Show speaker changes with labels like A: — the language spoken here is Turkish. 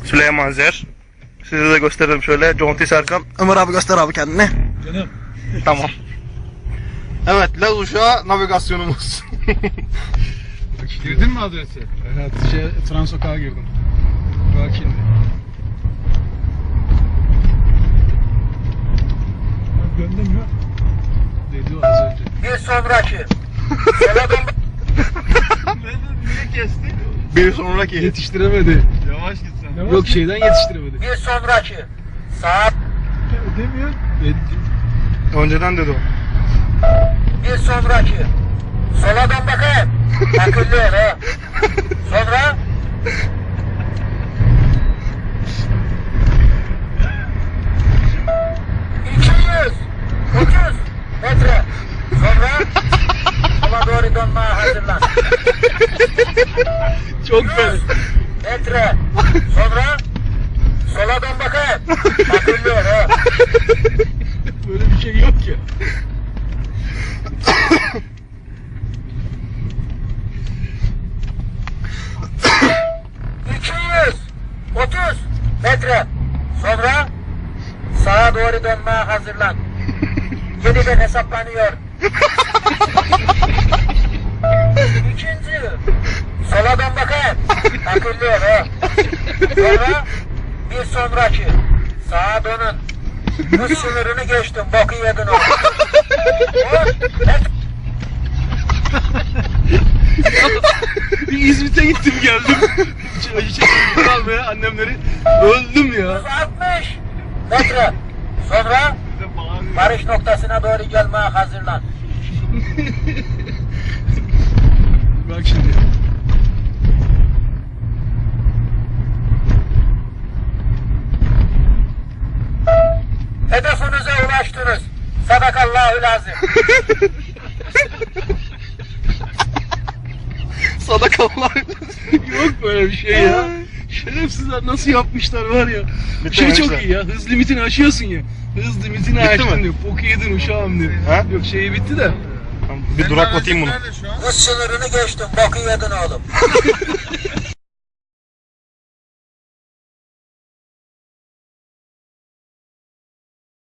A: Süleyman Zer. Size de gösteririm şöyle. Conti Serkan. Ömer abi göster abi kendini.
B: Canım.
A: Tamam. Evet, Laz Uşağı navigasyonumuz.
B: Girdin mi adresi? Evet, Transokağa girdim. Bak şimdi. Döndüm mü? Dedi o az önce.
C: Bir sonraki. Sola dön.
B: Niye kesti?
A: Bir sonraki.
B: Yetiştiremedi.
D: Yavaş git sen.
B: Yok şeyden yetiştiremedi.
C: Bir sonraki. Sağa.
B: Demiyor.
A: Önceden dedi o.
C: Bir sonraki. Sola dön bakayım. Akıllı ol ha. Sonra. ...230 metre. Sonra sola doğru dönmeye hazırlan.
B: Çok fena.
C: Metre. Sonra sola dön bakayım. Akıllı ol ha.
B: Böyle bir şey yok ya.
C: ...230 metre. Sonra sağa doğru dönmeye hazırlan. Yeniden hesaplanıyor. İkinci. Sola dön bakayım. Akıllı ol ha. Sonra bir sonraki. Sağa dönün. Hız sınırını geçtim. Boku yedin o.
B: Bir İzmit'e gittim geldim. Acı çekimleri almaya annemleri. Öldüm ya.
C: 160 metre. Sonra varış noktasına doğru gelmeye hazırlan.
B: Bak şimdi.
C: Hedefinize ulaştınız. Sadakallahu lazım.
A: Sadakallah.
B: Yok böyle bir şey ya. Şerefsizler nasıl yapmışlar var ya.
A: Bitti
B: Şey
A: mi
B: çok
A: işte?
B: iyi ya. Hız limitini aşıyorsun ya. Hız limitini
A: Bitti
B: aştın
A: mi?
B: diyor. Boku yedin uşağım diyor.
A: Ha?
B: Yok şeyi bitti de.
A: Bir duraklatayım bunu.
C: Hız sınırını geçtim. Boku yedin oğlum.